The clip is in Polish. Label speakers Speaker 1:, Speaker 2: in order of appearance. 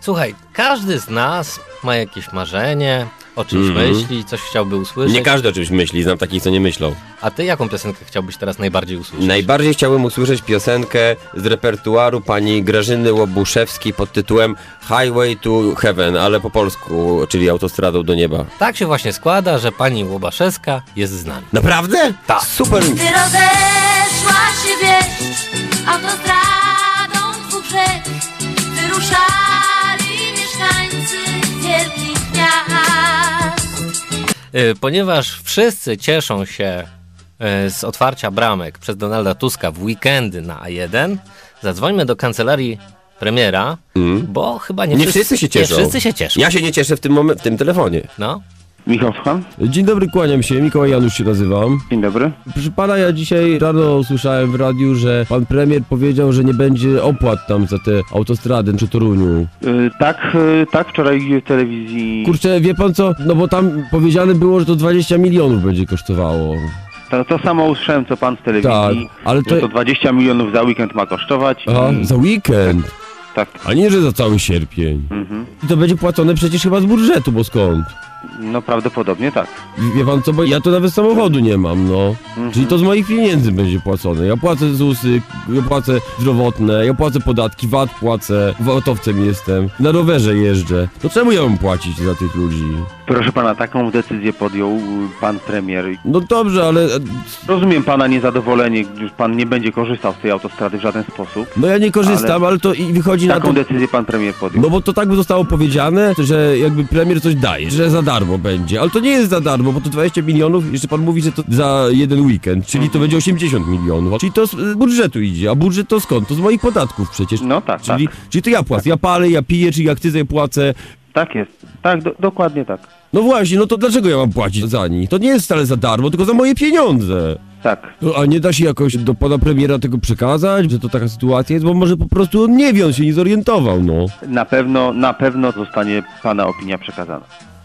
Speaker 1: Słuchaj, każdy z nas ma jakieś marzenie, o czymś myśli, coś chciałby usłyszeć.
Speaker 2: Nie każdy o czymś myśli, znam takich, co nie myślą.
Speaker 1: A ty jaką piosenkę chciałbyś teraz najbardziej usłyszeć?
Speaker 2: Najbardziej chciałbym usłyszeć piosenkę z repertuaru pani Grażyny Łobuszewskiej pod tytułem Highway to Heaven, ale po polsku, czyli Autostradą do nieba.
Speaker 1: Tak się właśnie składa, że pani Łobaszewska jest z nami.
Speaker 2: Naprawdę?
Speaker 1: Tak.
Speaker 2: Super!
Speaker 3: Gdy rozeszła się wieś autostradą dwóch rzek, wyruszali mieszkańcy wielkich miast.
Speaker 1: Ponieważ wszyscy cieszą się z otwarcia bramek przez Donalda Tuska w weekendy na A1, zadzwońmy do kancelarii premiera, bo chyba nie
Speaker 2: wszyscy się cieszą.
Speaker 1: Nie wszyscy się cieszą.
Speaker 2: Ja się nie cieszę w tym telefonie.
Speaker 1: No.
Speaker 4: Michał, słucham?
Speaker 5: Dzień dobry, kłaniam się. Mikołaj Janusz się nazywam.
Speaker 4: Dzień dobry.
Speaker 5: Proszę pana, ja dzisiaj rano usłyszałem w radiu, że pan premier powiedział, że nie będzie opłat tam za te autostrady przy Toruniu.
Speaker 4: Tak, wczoraj w telewizji...
Speaker 5: Kurczę, wie pan co? No bo tam powiedziane było, że to 20 milionów będzie kosztowało.
Speaker 4: To samo usłyszałem, co pan z telewizji,
Speaker 5: Tak, ale
Speaker 4: że to 20 milionów za weekend ma kosztować.
Speaker 5: Aha, za weekend.
Speaker 4: Tak.
Speaker 5: A nie, że za cały sierpień.
Speaker 4: Mhm.
Speaker 5: I to będzie płacone przecież chyba z budżetu, bo skąd?
Speaker 4: No prawdopodobnie tak.
Speaker 5: Wie pan co, bo ja to nawet samochodu nie mam, no. Czyli to z moich pieniędzy będzie płacone. Ja płacę ZUS-y, ja płacę zdrowotne, ja płacę podatki, VAT płacę, VAT-owcem jestem, na rowerze jeżdżę. To czemu ja mam płacić za tych ludzi?
Speaker 4: Proszę pana, taką decyzję podjął pan premier.
Speaker 5: No dobrze, ale...
Speaker 4: Rozumiem pana niezadowolenie, gdyż pan nie będzie korzystał z tej autostrady w żaden sposób.
Speaker 5: No ja nie korzystam, ale to i wychodzi na
Speaker 4: Taką
Speaker 5: to...
Speaker 4: decyzję pan premier podjął.
Speaker 5: No bo to tak by zostało powiedziane, że jakby premier coś daje, że za darmo będzie, ale to nie jest za darmo, bo to 20 milionów, jeszcze pan mówi, że to za jeden weekend, czyli to będzie 80 milionów, czyli to z budżetu idzie, a budżet to skąd? To z moich podatków przecież.
Speaker 4: No tak,
Speaker 5: czyli,
Speaker 4: tak.
Speaker 5: Czyli to ja płacę, ja palę, ja piję, czyli akcyzę płacę.
Speaker 4: Tak jest. Tak, dokładnie tak.
Speaker 5: No właśnie, no to dlaczego ja mam płacić za nich? To nie jest wcale za darmo, tylko za moje pieniądze.
Speaker 4: Tak.
Speaker 5: No, a nie da się jakoś do pana premiera tego przekazać, że to taka sytuacja jest, bo może po prostu on nie wie, on się nie zorientował, no.
Speaker 4: Na pewno zostanie pana opinia przekazana.